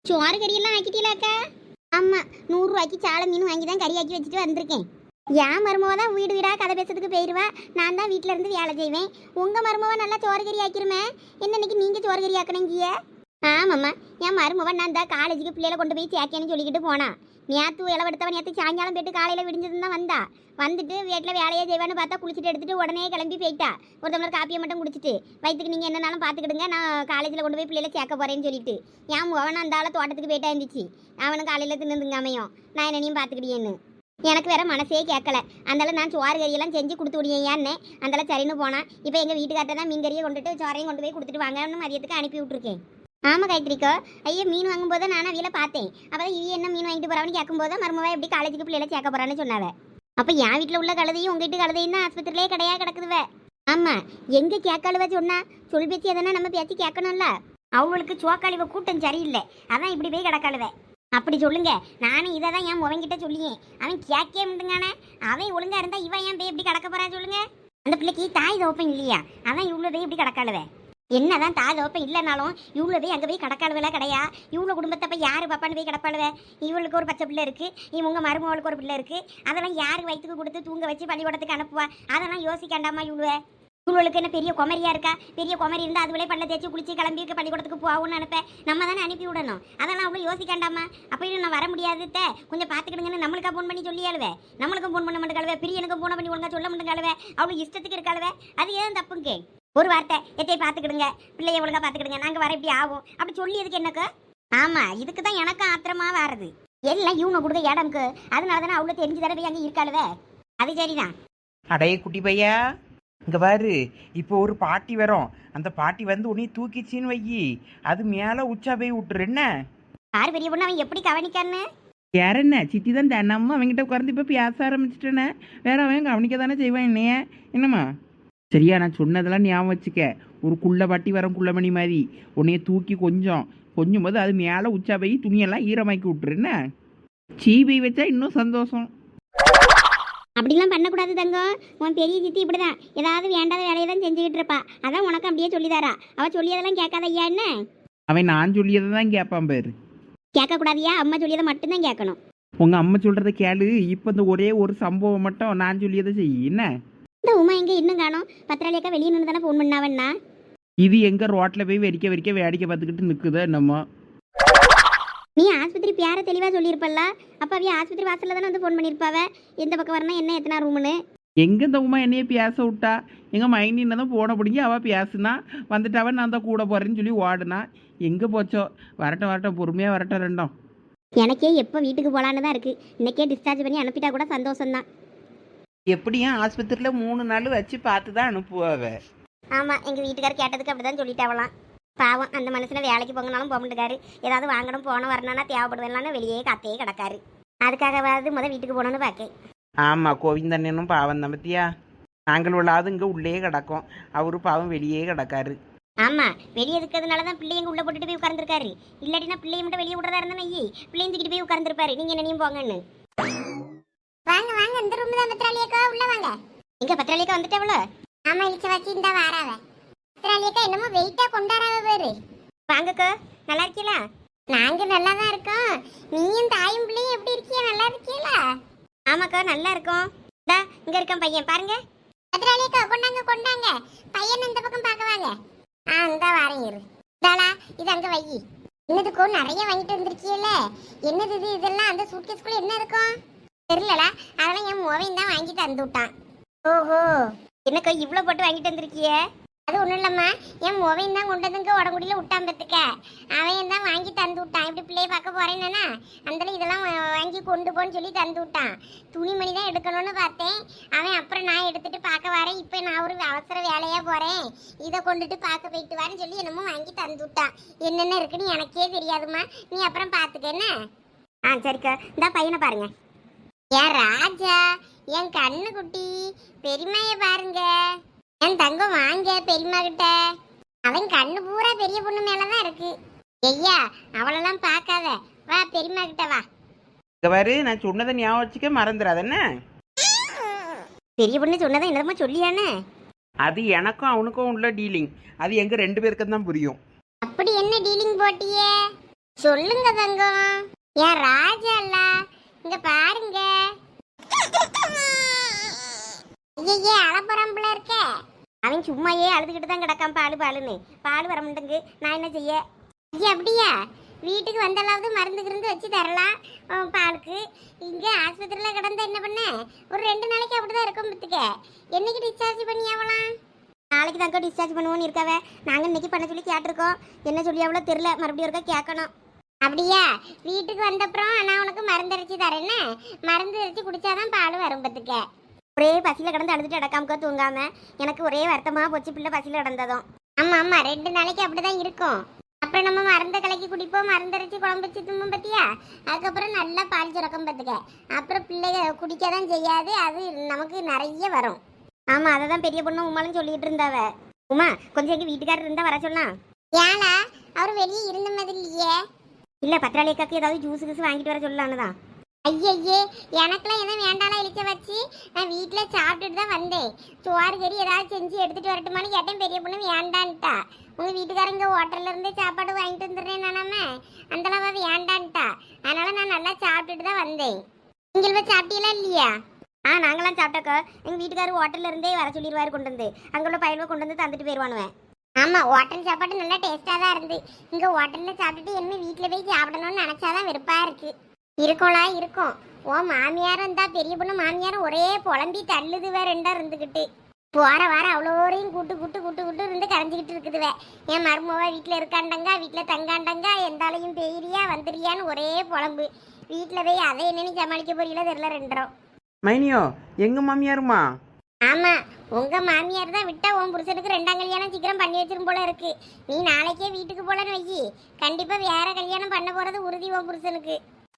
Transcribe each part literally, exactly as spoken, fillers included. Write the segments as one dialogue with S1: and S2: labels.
S1: சோறு கறியெல்லாம் ஆக்கிட்டீங்களாக்கா? ஆமாம், நூறுரூவாய்க்கு சாலை மீன் வாங்கி தான் கறி ஆக்கி வச்சுட்டு வந்திருக்கேன். என் மருமவ தான் வீடு வீடாக கதை பேசுறதுக்கு போயிடுவா, நான் தான் வீட்டில் இருந்து வேலை செய்வேன். உங்கள் மருமவ நல்லா சோறு கறி ஆக்கிருமே, என்ன இன்னைக்கு நீங்கள் சோறு கறி ஆக்கணுங்கிய? ஆமாம்மா, என் மருமவன் நான் தான் காலேஜுக்கு பிள்ளைகளை கொண்டு போய் சேர்க்கேன்னு சொல்லிக்கிட்டு போனா. நேற்று இளவெடுத்தவன் நேற்று சாயங்காலம் போயிட்டு காலையில் விடிஞ்சதுன்னு தான் வந்தா. வந்துட்டு வீட்டில் வேலையை செய்வான்னு பார்த்தா குளிச்சுட்டு எடுத்துட்டு உடனே கிளம்பி போயிட்டா. ஒரு டம்ளர் காப்பியை மட்டும் குடிச்சிட்டு, வயிற்றுக்கு நீங்கள் என்னன்னாலும் பார்த்துக்கிடுங்க, நான் காலேஜில் கொண்டு போய் பிள்ளைகளை சேர்க்க போகிறேன்னு சொல்லிட்டு என் முகவன் அந்த ஆளை தோட்டத்துக்கு போயிட்டா இருந்துச்சு. அவனும் காலையில் தின்னுதுங்க அமையும், நான் என்னனையும் பார்த்துக்கிட்டேன்னு. எனக்கு வேற மனசே கேட்கல. அந்தால நான் சோறு கறியெல்லாம் செஞ்சு கொடுத்து விடியேன்னு அந்தால சரின்னு போனான். இப்போ எங்கள் வீட்டுக்கார்ட்ட தான் மீன் கறியை கொண்டுட்டு சோறையும் கொண்டு போய் கொடுத்துட்டு வாங்கன்னு மதியத்துக்கு அனுப்பி விட்ருக்கேன். ஆமாம் காயத்ரிக்கோ, ஐயோ மீன் வாங்கும்போது நானும் அவியில பார்த்தேன். அப்போ தான் இவி என்ன மீன் வாங்கிட்டு போகிறான்னு கேட்கும்போது மருமவா எப்படி காலேஜுக்கு பிள்ளைகளை சேர்க்க போகிறான்னு சொன்னாவே. அப்போ என் வீட்டில் உள்ள கழுதையும் உங்கள் வீட்டு கழுதையும் தான் ஆஸ்பத்திரியிலே கிடையா கிடக்குதுவே. ஆமாம், எங்கே கேட்காளுவ சொன்னா சொல் பேச்சு எதனா நம்ம பேச்சு கேட்கணும்ல. அவங்களுக்கு சோக்காளிவ கூட்டம் சரியில்லை, அதான் இப்படி போய் கிடக்காளுவே. அப்படி சொல்லுங்க, நானும் இதை தான் என் முவங்கிட்ட சொல்லியேன். அவன் கேட்கே முடியுங்கானே. அவன் ஒழுங்கா இருந்தா இவன் ஏன் போய் எப்படி கிடக்க போறான்னு சொல்லுங்க. அந்த பிள்ளைக்கு தாய் தோப்பம் இல்லையா, அதான் இவ்வளோ போய் இப்படி கிடக்காளுவே. என்னதான் தாய் தோப்பம் இல்லைனாலும் இவ்வளோ போய் அங்கே போய் கிடக்காளுவெல்லாம் கிடையா. இவ்வளோ குடும்பத்தை போய் யாரு பாப்பான்னு போய் கிடப்பாளுவே. இவளுக்கு ஒரு பச்சை பிள்ளை இருக்கு, இவங்க மருமகளுக்கு ஒரு பிள்ளை இருக்கு. அதெல்லாம் யாருக்கு வயிற்றுக்கு கொடுத்து தூங்க வச்சு பள்ளிக்கூடத்துக்கு அனுப்புவா. அதெல்லாம் யோசிக்காண்டாமா இவ்வளோ. இவளுக்கு என்ன பெரிய குமரியா இருக்கா? பெரிய குமரி இருந்தால் அதுவளே பல்ல தேய்ச்சி குளிச்சு கிளம்பி பள்ளிக்கூடத்துக்கு போகும்னு நினைப்பேன். நம்ம தானே அனுப்பி விடணும். அதெல்லாம் அவ்வளோ யோசிக்காண்டாமா. அப்போ நான் வர முடியாது, கொஞ்சம் பார்த்துக்கிடுங்கன்னு நம்மளுக்கா ஃபோன் பண்ணி சொல்லி அழுவே. நம்மளுக்கும் ஃபோன் பண்ண மாட்டேங்காளுவே, பிரியனுக்கும் ஃபோன் பண்ணி ஒழுங்கா சொல்ல மாட்டேங்காளுவே. அவ்வளோ இஷ்டத்துக்கு இருக்காளுவே. அது ஏன் தப்புங்க? ஒரு வார்த்தை எத்தையை பார்த்துக்கிடுங்க, பிள்ளைய ஒழுங்கா பார்த்துக்கிடுங்க, நாங்கள் வர இப்படி ஆகும் அப்படி சொல்லியதுக்கு என்னக்கு? ஆமாம், இதுக்கு தான் எனக்கும் ஆத்திரமா வர்றது. எல்லாம் இவனை கொடுக்க இடம்க்கு, அதனால தானே அவ்வளோ தெரிஞ்சு தடவை அங்கே இருக்காளுவே. அது சரிதான்.
S2: அடைய குட்டி பையா, இங்கே பாரு, இப்போ ஒரு பாட்டி வரும். அந்த பாட்டி வந்து உன்னை தூக்கிச்சின்னு வையி, அது மேலே உச்சா போய் விட்டுரு. என்ன
S1: யார் பெரிய பொண்ணு அவன் எப்படி கவனிக்கான்னு?
S3: யார் என்ன சித்தி தான் தினமும் அவங்ககிட்ட உட்கார்ந்து இப்போ பேச ஆரம்பிச்சிட்டேனே. வேற அவன் கவனிக்க தானே செய்வான் என்னைய. என்னம்மா சரியா? நான் சொன்னதெல்லாம் ஞாபகம் வச்சுக்க. ஒரு குள்ள பாட்டி வரும், குள்ளமணி மாதிரி உன்னைய தூக்கி கொஞ்சம் கொஞ்சம் போது அது மேலே உச்சா போய் துணியெல்லாம் ஈரமாக்கி விட்டுரு. என்ன சீபி வச்சா இன்னும் சந்தோஷம்.
S1: அப்படிலாம் பண்ணக்கூடாது தங்கம். உன் பெரிய சித்தி இப்படிதான் ஏதாவது வேண்டாத வேலையை தான் செஞ்சுக்கிட்டு இருப்பா. அதான் உனக்கு அப்படியே சொல்லிதாரா. அவள் சொல்லியதெல்லாம் கேட்காத ஐயா. என்ன
S3: அவன் நான் சொல்லியதை தான் கேட்பான் பேரு.
S1: கேட்கக்கூடாதியா, அம்மா சொல்லியதை மட்டும்தான் கேட்கணும்.
S3: உங்கள் அம்மா சொல்கிறத கேளு. இப்போ இந்த ஒரே ஒரு சம்பவம் மட்டும் நான் சொல்லியதை செய். என்ன
S1: இந்த உமா எங்கே இன்னும் காணோம்? பத்திராளியக்கா வெளியே நின்று தானே ஃபோன் பண்ணாவண்ணா.
S3: இது எங்கே ரோட்டில் போய் வெறிக்க வெறிக்க வேடிக்கை பார்த்துக்கிட்டு நிற்குதோ என்னமோ.
S1: நீ ஆஸ்பத்திரி பேர தெளிவாக சொல்லியிருப்பல்ல. அப்போ அவைய ஆஸ்பத்திரி வாசலில் தானே வந்து ஃபோன் பண்ணியிருப்பாவ, எந்த பக்கம் வரணும் என்ன எத்தனை ரூமுன்னு.
S3: எங்கே இந்த உமா என்னையே பேச விட்டா? எங்கள் மைனின்னு தான் போன பிடிங்கி அவள் பேசுனா வந்துட்டாவன், நான் தான் கூட போகிறேன்னு சொல்லி ஓடுனா. எங்கே போச்சோ? வரட்டும் வரட்டும், பொறுமையாக வரட்டும் ரெண்டும்.
S1: எனக்கே எப்போ வீட்டுக்கு போகலான்னு தான் இருக்குது. இன்றைக்கே டிஸ்சார்ஜ் பண்ணி அனுப்பிட்டா கூட சந்தோஷம்தான்.
S2: எப்படியும் ஆஸ்பத்திரியில் மூணு நாள் வச்சு பார்த்து தான் அனுப்புவாவ.
S1: ஆமாம், எங்கள் வீட்டுக்காரர் கேட்டதுக்கு அப்படி தான் சொல்லிட்டாவலாம். பாவம், அந்த மனுஷனை வேலைக்கு போங்கனாலும் போக மாட்டேக்காரு. ஏதாவது வாங்கணும் போன வரணும்னா தேவைப்படுவேன்லான்னு வெளியே காத்தையே கிடக்காரு. அதுக்காகவாது முதல் வீட்டுக்கு போகணுன்னு பார்க்கேன்.
S2: ஆமாம், கோவிந்தண்ணனும் பாவம் தான் பத்தியா. நாங்கள் உள்ளாவது இங்கே உள்ளே கிடக்கும், அவரு பாவம் வெளியே கிடக்காரு.
S1: ஆமாம், வெளியே இருக்கிறதுனால தான் பிள்ளைங்க உள்ளே போட்டுட்டு போய் உட்கார்ந்துருக்காரு. இல்லாட்டினா பிள்ளைய மட்டும் வெளியே விடுறதா இருந்தா நெய்யி பிள்ளைங்க தூக்கிட்டு போய் உட்கார்ந்துருப்பாரு. நீங்கள் என்னையும் போங்கன்னு. வாங்க வாங்க, இந்த ரூம் தான் பத்திராளியக்கா, உள்ள வாங்க. எங்க பத்திராளியக்கா வந்துட்டாவளோ? ஆமா, இழிச்ச வச்சு இந்த வாராவ. பத்திராளியக்கா என்னமோ வெயிட்டா கொண்டாடாவ பேரு. வாங்கக்கா, நல்லா இருக்கீங்களா? நாங்க நல்லா தான் இருக்கோம். நீயும் தாயும் பிள்ளையும் எப்படி இருக்கீங்க? நல்லா இருக்கீங்களா? ஆமாக்கா, நல்லா இருக்கோம். இந்தா இங்க இருக்கான் பையன், பாருங்க. பத்திராளியக்கா கொண்டாங்க கொண்டாங்க, பையன் இந்த பக்கம் பார்க்க வாங்க. ஆ இந்த வாரம் இரு. இதாளா, இது அங்க வை. என்னதுக்கும் நிறைய வாங்கிட்டு வந்திருக்கீல்ல, என்னது இது? இதெல்லாம் அந்த சூட்கேஸ்குள்ள என்ன இருக்கும் தெரியலடா. அதெல்லாம் என் மோவையும் தான் வாங்கி தந்து விட்டான். ஓஹோ, என்னக்கா இவ்வளோ போட்டு வாங்கிட்டு வந்திருக்கிய? அது ஒன்றும் இல்லைம்மா, என் மோவையும் தான் கொண்டு வந்துங்க உடம்புடியில் விட்டான் பத்துக்க. அவன் தான் வாங்கி தந்து விட்டான். இப்படி பிள்ளைய பார்க்க போறேன்னா அந்த இதெல்லாம் வாங்கி கொண்டு போன்னு சொல்லி தந்து விட்டான். துணிமணி தான் எடுக்கணும்னு பார்த்தேன். அவன் அப்புறம் நான் எடுத்துட்டு பார்க்க வரேன், இப்போ நான் ஒரு அவசர வேலையாக போகிறேன், இதை கொண்டுட்டு பார்க்க போயிட்டு வரேன்னு சொல்லி என்னமோ வாங்கி தந்து விட்டான். என்னென்ன இருக்குன்னு எனக்கே தெரியாதுமா, நீ அப்புறம் பார்த்துக்க என்ன. ஆ சரிக்கா, இந்த பையனை பாருங்க. ஏன் ராஜா, என் கண்ணு குட்டி, பெரியம்மைய பாருங்க. என் தங்கம் வாங்க பெரியம்மா கிட்ட. அவன் கண்ணு பூரா பெரிய பொண்ணு மேலதான் இருக்கு. ஐயா, அவளெல்லாம் பார்க்காத, வா பெரியம்மா கிட்ட வா.
S2: இங்கே பாரு, நான் சொன்னதை ஞாபகம் வச்சுக்க, மறந்துடாத என்ன.
S1: பெரிய பொண்ணு சொன்னதை என்னதமா சொல்லியானே?
S2: அது எனக்கும் அவனுக்கும் உள்ள டீலிங், அது எங்க ரெண்டு பேருக்கு தான் புரியும்.
S1: அப்படி என்ன டீலிங் போட்டியே? சொல்லுங்க தங்கம். ஏன் ராஜா இல்ல இங்க பாருங்க. ஐயே அலப்பரம்புல இருக்க. அவன் சும்மாயே அழுதுகிட்டு தான் கிடக்கான் பாலு பாலுன்னு. பால் வர மாட்டேங்கு, நான் என்ன செய்ய? ஐயா அப்படியா? வீட்டுக்கு வந்தாலாவது மருந்து கிருந்து வச்சு தரலாம் அவன் பாலுக்கு. இங்கே ஆஸ்பத்திரியில் கிடந்தா என்ன பண்ண? ஒரு ரெண்டு நாளைக்கு அப்படிதான் இருக்கும் பத்துக்க. என்னைக்கு டிஸ்சார்ஜ் பண்ணி ஆகலாம்? நாளைக்கு தாங்க டிஸ்சார்ஜ் பண்ணுவோன்னு இருக்காவே. நாங்கள் இன்னைக்கு பண்ண சொல்லி கேட்டிருக்கோம். என்ன சொல்லி அவ்வளோ தெரில, மறுபடியும் இருக்கா கேட்கணும். அப்படியா? வீட்டுக்கு வந்தப்புறம் நான் உனக்கு மருந்து அரைச்சி தரேன்னு. மருந்து அரைச்சி குடிச்சாதான் பால் வரும் பத்துக்க. ஒரே பசியில் கிடந்து அழுதுட்டு அடக்காமக்கா தூங்காம எனக்கு ஒரே வருத்தமாக போச்சு பிள்ளை பசியில் கிடந்ததும். ஆமாம் ஆமாம், ரெண்டு நாளைக்கு அப்படிதான் இருக்கும். அப்புறம் நம்ம மருந்த கலக்கி குடிப்போம், மருந்தரைச்சி குழம்பு வச்சு தும்பும் பத்தியா. அதுக்கப்புறம் நல்லா பால் சுரக்கம் பார்த்துக்க. அப்புறம் பிள்ளைக குடிக்க தான் செய்யாது, அது நமக்கு நிறைய வரும். ஆமாம், அதை தான் பெரிய பொண்ணு உமாலும் சொல்லிட்டு இருந்தாவ. உமா கொஞ்சம் எங்கள் வீட்டுக்காரர் இருந்தால் வர சொல்லலாம். ஏழா அவர் வெளியே இருந்த மாதிரி இல்லையே. இல்லை பத்திராளியக்காக்கு ஏதாவது ஜூஸ் ஜூஸ் வாங்கிட்டு வர சொல்லலான்னு தான். ஐயே எனக்குலாம் எதுவும் வேண்டாம் இழிச்ச வச்சு நான் வீட்டில் சாப்பிட்டுட்டு தான் வந்தேன். சோறு கறி ஏதாவது செஞ்சு எடுத்துகிட்டு வரட்டுமான்னு கேட்டேன். பெரிய பொண்ணு வேண்டான்ட்டா. உங்கள் வீட்டுக்காரங்க ஹோட்டலில் இருந்தே சாப்பாடு வாங்கிட்டு வந்துடுறேன் நானாம அந்தளவா வேண்டான்ட்டா. அதனால் நான் நல்லா சாப்பிட்டுட்டு தான் வந்தேன். நீங்கள் போய் சாப்பிட்டீங்களா இல்லையா? ஆ நாங்களாம் சாப்பிட்டாக்கா. எங்கள் வீட்டுக்காரர் ஹோட்டலில் இருந்தே வர சொல்லிடுவார் கொண்டு வந்து. அங்கே உள்ள பயிர்வை கொண்டு வந்து தந்துட்டு போயிடுவானுவேன். ஆமாம், ஹோட்டல் சாப்பாடு நல்லா டேஸ்ட்டாக தான் இருந்து. இங்கே ஹோட்டலில் சாப்பிட்டுட்டு என்ன வீட்டில் போய் சாப்பிடணும்னு நினச்சாதான் விருப்பாக இருக்குது. இருக்கோளா இருக்கும். ஓ மாமியாரும் இருந்தா பெரிய பொண்ணு மாமியாரும் ஒரே புலம்பி தள்ளுதுவே ரெண்டா இருந்துக்கிட்டு. போற வாரம் அவ்வளோரையும் கூட்டு கூட்டு கூட்டு கூட்டு இருந்து கரைஞ்சிக்கிட்டு இருக்குதுவே. என் மருமவா வீட்டில் இருக்காண்டங்க, வீட்டில் தங்காண்டங்க, எந்தாலையும் பெய்யிறியா வந்துடுறியான்னு ஒரே புலம்பு. வீட்டில் போய் அதை என்னன்னு சமாளிக்க போறீங்களோ தெரியல ரெண்டரும்.
S2: மைனியோ எங்க மாமியாருமா?
S1: ஆமா, உங்க மாமியார் தான் விட்டா உன் புருஷனுக்கு ரெண்டாம் கல்யாணம் சீக்கிரம் பண்ணி வச்சிரும் போல இருக்கு. நீ நாளைக்கே வீட்டுக்கு போலன்னு வையி. கண்டிப்பா வேற கல்யாணம் பண்ண போறது உறுதி உன் புருஷனுக்கு.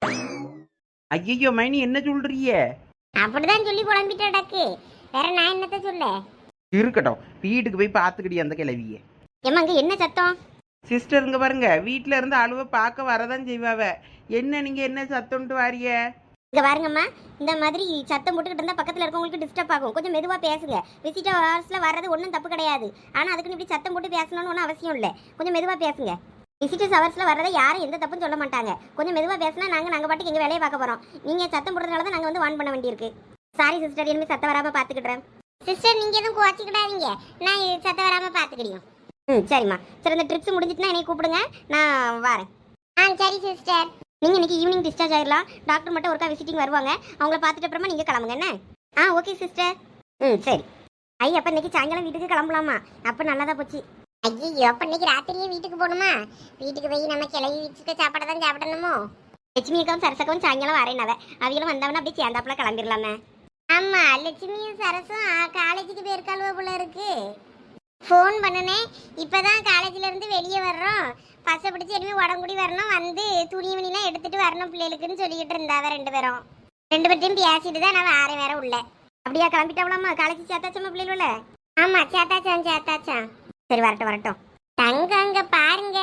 S2: ஐயோ மைனி என்ன சொல்றிய?
S1: அப்படிதான் சொல்லி புலம்பிட்டாடாக்கு. வேற நான் என்னத்த சொல்ல?
S2: இருக்கட்டும், வீட்டுக்கு போய் பார்த்துக்கிடி அந்த கிளவிய.
S1: ஏமாங்க என்ன சத்தம்?
S2: சிஸ்டருங்க பாருங்க, வீட்டில இருந்து அழுவ பார்க்க வரதான் செய்வாவ. என்ன நீங்க என்ன சத்தம்ட்டு வாரிய?
S1: இங்க பாருங்கம்மா, இந்த மாதிரி சத்தம் போட்டுக்கிட்டு இருந்தா பக்கத்துல இருக்கவங்களுக்கு டிஸ்டர்ப் ஆகும். கொஞ்சம் மெதுவா பேசுங்க. விசிட்டர் ஹவர்ஸ்ல வர்றது ஒன்றும் தப்பு கிடையாது. ஆனா அதுக்குன்னு இப்படி சத்தம் போட்டு பேசணும்னு ஒன்றும் அவசியம் இல்லை. கொஞ்சம் மெதுவா பேசுங்க. விசிட்டர்ஸ் ஹவர்ஸ்ல வரதை யாரும் எந்த தப்பும் சொல்ல மாட்டாங்க. கொஞ்சம் மெதுவா பேசினா நாங்க நாங்க பாட்டுக்கு எங்க வேலையை பார்க்க போறோம். நீங்க சத்தம் போடுறதுனால தான் நாங்க வந்து வான் பண்ண வேண்டியிருக்கு. சாரி சிஸ்டர், இனிமே சத்தம் வராம பாத்துக்கிடுறேன். சிஸ்டர் நீங்க எதுவும் குவாச்சிக்கிடாதீங்க, நான் சத்தம் வராம பாத்துக்கிடியோம். ம் சரிம்மா. சரி, இந்த ட்ரிப்ஸ் முடிஞ்சிட்டுனா என்னை கூப்பிடுங்க, நான் வரேன். ஆ சரி சிஸ்டர். நீங்கள் இன்னைக்கு ஈவினிங் டிஸ்சார்ஜ் ஆகிடலாம். டாக்டர் மட்டும் ஒருக்கா விசிட்டிங் வருவாங்க. அவங்கள பார்த்துட்டு அப்புறமா நீங்கள் கிளம்புங்க என்ன? ஆ ஓகே சிஸ்டர். ம் சரி. ஐ அப்போ இன்னைக்கு சாயங்காலம் வீட்டுக்கு கிளம்பலாமா? அப்போ நல்லதா போச்சு. ஐயோ அப்போ இன்னைக்கு ராத்திரியே வீட்டுக்கு போகணுமா? வீட்டுக்கு போய் நம்ம கிளவி வச்சுட்டு சாப்பாடு தான் சாப்பிடணுமோ? லட்சுமி அக்காவும் சரசக்காவும் சாயங்காலம் வரேனாவ. அவங்களும் வந்தவனா அப்படியே சேர்ந்தாப்புல கிளம்பிடலாமே. ஆமாம், லட்சுமியும் சரசும் காலேஜுக்கு போயிருக்காளுவ போல இருக்கு. ஃபோன் பண்ணினேன். இப்போ தான் காலேஜிலேருந்து வெளியே வர்றோம். பசை பிடிச்சி இனிமேல் உடம்புடி வரணும், வந்து துணி மணிலாம் எடுத்துகிட்டு வரணும் பிள்ளைகளுக்குன்னு சொல்லிக்கிட்டு இருந்தாவ ரெண்டு பேரும். ரெண்டு பேர்ட்டையும் பேசிட்டு தான் நான் வேற வேற உள்ள. அப்படியா கிளம்பிட்டாவலாமா? காலேஜ் சேர்த்தாச்சம்மா பிள்ளைகள? ஆமாம் சேர்த்தாச்சான் சேர்த்தாச்சான். சரி வரட்டும் வரட்டும். தங்க அங்கே பாருங்க,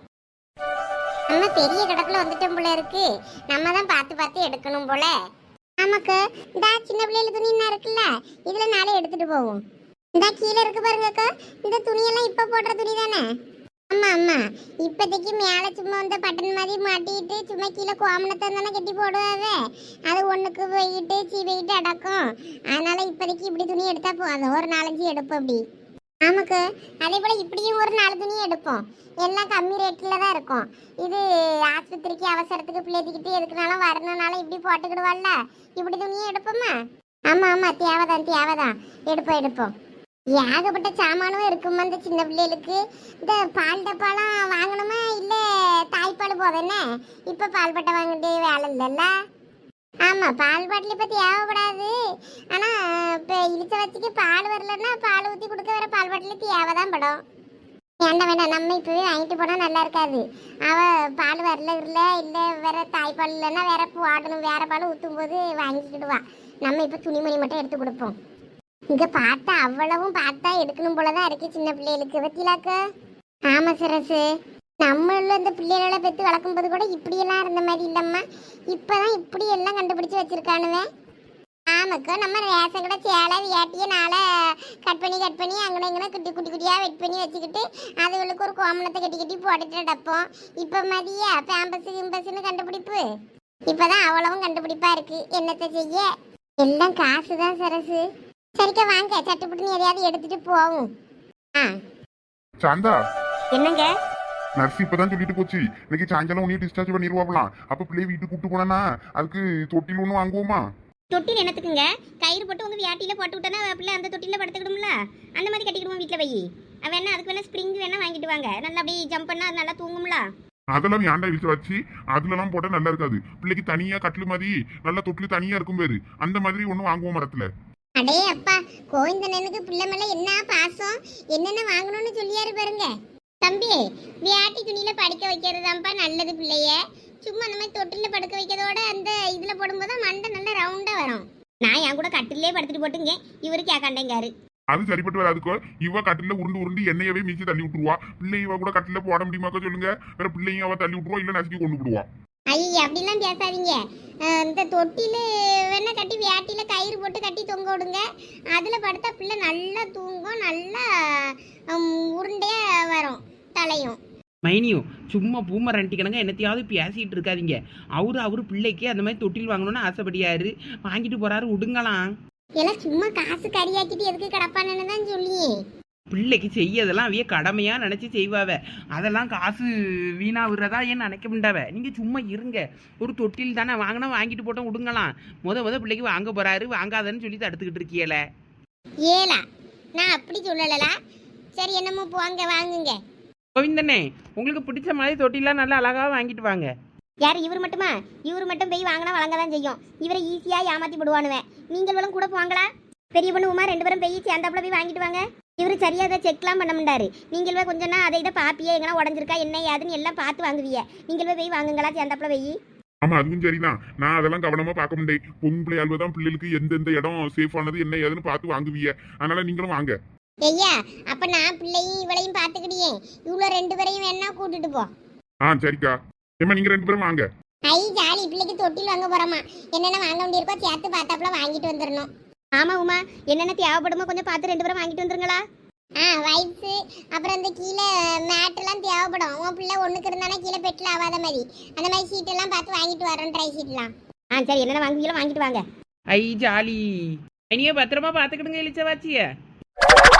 S1: நம்ம பெரிய கடக்குள்ள வந்துட்டோம் போல இருக்கு. நம்ம தான் பார்த்து பார்த்து எடுக்கணும் போல. நமக்கு இந்த சின்ன பிள்ளைல துணி என்ன இருக்குல்ல, இதில் நாளே எடுத்துகிட்டு போவோம். இந்த கீழே இருக்கு பாருங்கக்கா, இந்த துணியெல்லாம் இப்போ போடுற துணி தானே? ஆமாம் ஆமாம், இப்போதைக்கு மேலே சும்மா வந்து பட்டன் மாதிரி மாட்டிட்டு சும்மா கீழே கோமணத்தை தானே கட்டி போடுவாவே. அது ஒன்றுக்கு போயிட்டு சீ போயிட்டு அடக்கும். அதனால இப்போதைக்கு இப்படி துணி எடுத்தா போதும், ஒரு நாலஞ்சு எடுப்போம் அப்படி. ஆமாக்கு அதே போல் இப்படியும் ஒரு நாலு துணி எடுப்போம். எல்லாம் கம்மி ரேட்டில் தான் இருக்கும். இது ஆஸ்பத்திரிக்கு அவசரத்துக்கு பிள்ளைக்கிட்டு எதுக்குனாலும் வரணுனாலும் இப்படி போட்டுக்கிடுவாள்ல, இப்படி துணியும் எடுப்போம்மா. ஆமாம் ஆமாம் தேவைதான் தேவைதான், எடுப்போம் எடுப்போம். ஏகப்பட்ட சாமானும் இருக்குமா இந்த சின்ன பிள்ளைகளுக்கு. இந்த பால் டப்பாலாம் வாங்கணுமா இல்லை தாய்ப்பால் போதேன்னே? இப்போ பால் பட்டை வாங்கிட்டு வேலை இல்லைல்ல. ஆமாம், பால் பாட்டில் இப்போ தேவைப்படாது. ஆனால் இப்போ இழுச்ச வச்சுக்கு பால் வரலன்னா பால் ஊற்றி கொடுக்க வேற பால் பாட்டில் தேவை தான் படும். வேண்டாம் வேண்டாம், நம்ம இப்போவே வாங்கிட்டு போனால் நல்லா இருக்காது. அவள் பால் வரல இல்லை இல்லை வேற தாய்ப்பால் இல்லைன்னா வேற போடணும், வேற பால் ஊற்றும் போது வாங்கிக்கிடுவா. நம்ம இப்போ துணிமணி மட்டும் எடுத்து கொடுப்போம். இங்க பார்த்தா அவ்வளவும் பார்த்தா எடுக்கணும் போலதான் இருக்கு சின்ன பிள்ளைகளுக்கு பத்திலாக்க. ஆமா சரசு, நம்மள இந்த பிள்ளைகளை பெற்று வளர்க்கும் போது கூட இப்படியெல்லாம் இருந்த மாதிரி இல்லம்மா. இப்பதான் இப்படி எல்லாம் கண்டுபிடிச்சு வச்சிருக்கானுவே. ஆமா நமக்கு நம்ம ரேஷன் கடை சேலை வேட்டியை நாளை கட் பண்ணி கட் பண்ணி அங்கே இங்கே குட்டி குட்டி குட்டியாக வெட் பண்ணி வச்சுக்கிட்டு அதுகளுக்கு ஒரு கோமணத்தை கட்டி கட்டி போட்டுட்டு நடப்போம். இப்போ மதிய பேம்பஸ் கிம்பஸ்ன்னு கண்டுபிடிப்பு இப்போதான் அவ்வளவும் கண்டுபிடிப்பா இருக்கு. என்னத்தை செய்ய எல்லாம் காசு தான் சரசு. சரிக்கா வாங்க சட்டுப்புட்டுன்னு எதையாவது எடுத்துட்டு போவோம். ஆ
S4: சாந்தா,
S1: என்னங்க
S4: நர்ஸ் இப்பதான் சொல்லிட்டு போச்சு இன்னைக்கு சாயங்காலம் உன்னைய டிஸ்சார்ஜ் பண்ணிடுவாங்களாம். அப்ப பிள்ளைய வீட்டுக்கு கூட்டு போனா அதுக்கு தொட்டில் ஒண்ணு வாங்குவோமா?
S1: தொட்டில் என்னத்துக்குங்க? கயிறு போட்டு உங்க வியாட்டியில போட்டு விட்டனா பிள்ளை அந்த தொட்டில படுத்துக்கிடும்ல, அந்த மாதிரி கட்டிக்கிடுவோம் வீட்டில் வை. வேணா அதுக்கு வேணா ஸ்ப்ரிங் வேணா வாங்கிட்டு வாங்க, நல்லா அப்படியே ஜம்ப் பண்ணா அது நல்லா தூங்கும்ல.
S4: அதெல்லாம் ஏன்டா இழுத்து வச்சு அதுலலாம் போட்டா நல்லா இருக்காது. பிள்ளைக்கு தனியா கட்டில் மாதிரி நல்லா தொட்டில் தனியா இருக்கும் பேரு அந்த மாதிரி ஒண்ணு வாங்குவோம் மரத்துல.
S1: அடே அப்பா, கோவிந்தனனுக்கு பிள்ளை மேல என்ன பாசம், என்னென்ன வாங்கணும்னு சொல்லியாரு பாருங்க. தம்பி, வியாட்டி துணியில படுக்க வைக்கிறதாப்பா நல்லது பிள்ளைய. சும்மா அந்த மாதிரி தொட்டில படுக்க வைக்கிறதோட அந்த இதுல போடும்போது மண்டை நல்லா ரவுண்டா வரும். நான் என் கூட கட்டிலே படுத்துட்டு போட்டுங்க, இவரு கேட்காண்டேங்காரு.
S4: அது சரிப்பட்டு வராதுக்கோ. இவ கட்டில உருண்டு உருண்டு எண்ணெயவே மீச்சு தள்ளி விட்டுருவா. பிள்ளை இவ கூட கட்டில போட முடியுமாக்கோ சொல்லுங்க. வேற பிள்ளையும் அவ தள்ளி விட்டுருவா, இல்ல நசுக்கி கொண்டு விடுவா.
S1: ஐயா அப்படிலாம் பேசாதீங்க. அஹ் இந்த தொட்டில வேணா கட்டி வியாட்டில கயிறு போட்டு கட்டி தொங்க விடுங்க. அதுல படுத்தா பிள்ளை நல்லா தூங்கும், நல்லா ஹம், உருண்டையா வரும் தலையும்.
S3: மைனியும் சும்மா பூமரண்டி கணங்க என்னத்தையாவது பேசிட்டு இருக்காதீங்க. அவரு அவரு பிள்ளைக்கு அந்த மாதிரி தொட்டில் வாங்கணும்னு ஆசைப்படியாரு, வாங்கிட்டு போறாரு, விடுங்களாம்.
S1: எல்லாம் சும்மா காசு கறியாக்கிட்டு எதுக்கு கிடப்பானு தான் சொல்லியே.
S3: பிள்ளைக்கு செய்யதெல்லாம் அவைய கடமையா நினைச்சு செய்வாவ. அதெல்லாம் காசு வீணா விடுறதா ஏன் நினைக்க முடியாவ. நீங்க சும்மா இருங்க. ஒரு தொட்டில் தானே வாங்கினா வாங்கிட்டு போட்டோம், விடுங்களாம். முத முத பிள்ளைக்கு வாங்க போறாரு, வாங்காதன்னு சொல்லி தடுத்துக்கிட்டு இருக்கீல.
S1: ஏலா நான் அப்படி சொல்லலலா. சரி என்னமோ போங்க வாங்குங்க.
S3: கோவிந்தனே, உங்களுக்கு பிடிச்ச மாதிரி தொட்டிலாம் நல்லா அழகா வாங்கிட்டு வாங்க.
S1: யார் இவர் மட்டுமா? இவர் மட்டும் போய் வாங்கினா வழங்க தான் செய்யும். இவரை ஈஸியா ஏமாத்தி போடுவானுவேன். நீங்களும் கூட போவாங்களா? பெரிய பொண்ணு உமா ரெண்டு பேரும் போய் சேர்ந்தாப்புல போய் வாங்கிட்டு வாங்க. இவரு சரியா அதை செக்லாம் பண்ண மாட்டாரு. நீங்களே கொஞ்சம்னா அதை இதை பாப்பியே எங்கன்னா உடஞ்சிருக்கா என்ன ஏதுன்னு எல்லாம் பார்த்து வாங்குவீங்க. நீங்களே போய் வாங்குங்களா சேர்ந்தாப்புல போய்.
S4: ஆமா அதுவும் சரிதான். நான் அதெல்லாம் கவனமா பார்க்க முடியும். பொம்பளை ஆள்வதான் பிள்ளைகளுக்கு எந்தெந்த இடம் சேஃப் ஆனது என்ன ஏதுன்னு பார்த்து வாங்குவீங்க. அதனால நீங்களும் வாங்க.
S1: ஐயா அப்ப நான் பிள்ளையும் இவளையும் பார்த்துக்கிடியே, இவ்வளோ ரெண்டு பேரையும் வேணா கூட்டிட்டு போ.
S4: ஆ சரிக்கா. ஏமா நீங்க ரெண்டு பேரும் வாங்க.
S1: ஐ ஜாலி, பிள்ளைக்கு தொட்டில் வாங்க போறோமா, என்னென்ன வாங்க வேண்டியிருக்கோ சேர்த்து பார்த்தாப்புல வாங்கிட்டு வந்துடணும். ஆமா உமா, என்னென்ன தேவைப்படுமோ கொஞ்சம் பார்த்து ரெண்டு பேரும் வாங்கிட்டு வந்துருங்களா. ஆ வைப்ஸு அப்புறம் இந்த கீழே மேட்டெல்லாம் தேவைப்படும். உன் பிள்ளை ஒன்றுக்கு இருந்தானா கீழே பெட்டில் ஆகாத மாதிரி அந்த மாதிரி சீட்டெல்லாம் பார்த்து வாங்கிட்டு வரோம், ட்ரை சீட்லாம். ஆ சரி, என்னென்ன வாங்குவீங்களோ வாங்கிட்டு வாங்க.
S3: ஐ ஜாலி. இனியே பத்திரமா பார்த்துக்கிடுங்க இளிச்சவாச்சிய.